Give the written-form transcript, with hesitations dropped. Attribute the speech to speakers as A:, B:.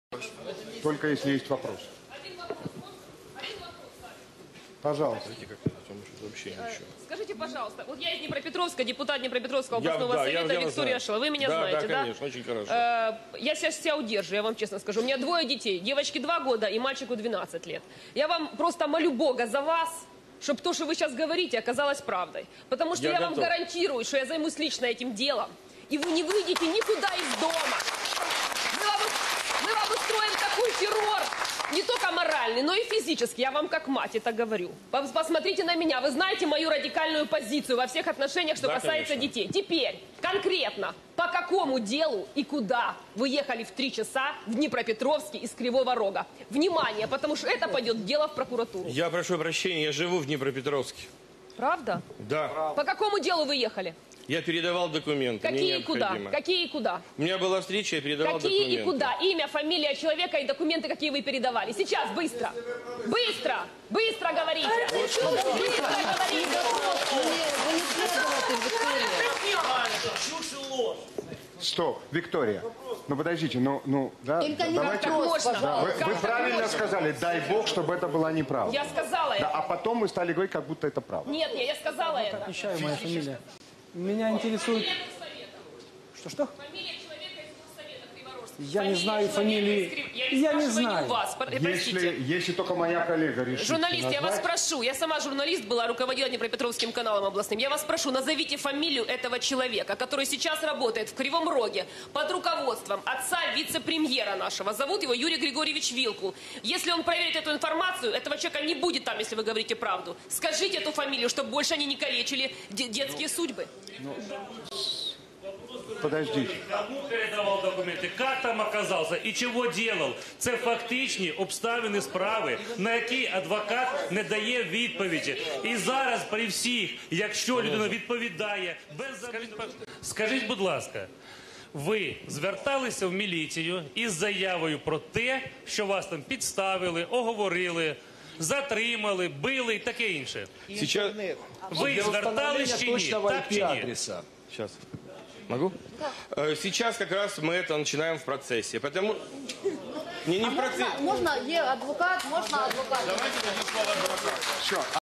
A: Только если есть вопрос. Пожалуйста.
B: Скажите, пожалуйста, вот я из Днепропетровска, депутат Днепропетровского областного совета Виктория Шила. Вы меня знаете, да?
C: Конечно, очень хорошо.
B: Я сейчас себя удерживаю, я вам честно скажу. У меня 2 детей. Девочке 2 года и мальчику 12 лет. Я вам просто молю Бога за вас, чтобы то, что вы сейчас говорите, оказалось правдой. Потому что я вам гарантирую, что я займусь лично этим делом. И вы не выйдете никуда из дома. Мы вам устроим такой террор. Не только моральный, но и физический. Я вам как мать это говорю. Посмотрите на меня. Вы знаете мою радикальную позицию во всех отношениях, что касается детей. Теперь, конкретно, по какому делу и куда вы ехали в 3 часа в Днепропетровске из Кривого Рога? Внимание, потому что это пойдет дело в прокуратуру.
C: Я прошу прощения, я живу в Днепропетровске.
B: Правда?
C: Да.
B: По какому делу вы ехали?
C: Я передавал документы.
B: Какие и куда? Какие и куда?
C: У меня была встреча, я передавал документы.
B: Какие и куда? Имя, фамилия человека и документы, какие вы передавали. Сейчас, быстро. Быстро! Быстро говорите! Быстро говорите!
A: Стоп, Виктория. Ну подождите, да, давайте.
B: Можно.
A: Вы правильно сказали, дай Бог, чтобы это была неправда.
B: Я сказала это.
A: А потом мы стали говорить, как будто это правда.
B: Нет, я сказала это.
D: Отвечаю, моя фамилия. Меня интересует... Что?
B: Фамилия человека из Горсовета Криворожска.
D: Я не знаю фамилии. Я не знаю.
B: Вас. Простите.
A: Если только моя коллега решит.
B: Журналист, я вас
A: назвать.
B: прошу, я сама журналист была, руководила Днепропетровским каналом областным. Я вас прошу, назовите фамилию этого человека, который сейчас работает в Кривом Роге под руководством отца вице-премьера нашего. Зовут его Юрий Григорьевич Вилкул. Если он проверит эту информацию, этого человека не будет там, если вы говорите правду. Скажите эту фамилию, чтобы больше они не калечили детские судьбы.
A: Подождите.
E: Кому передавав документи, як там оказався і чого делав? Це фактичні обставини справи, на які адвокат не дає відповіді. І зараз при всіх, якщо людина відповідає без... Скажіть, будь ласка, ви зверталися в міліцію із заявою про те, що вас там підставили, оговорили, затримали, били і таке інше?
C: Сейчас...
E: Ви звертались чи ні? Так чи ні?
C: Сейчас. Могу? Сейчас как раз мы это начинаем в процессе. Потому... Не в процессе.
F: Можна, є адвокат, можна адвокат.
C: Давайте дадим слово адвокату.
A: Все.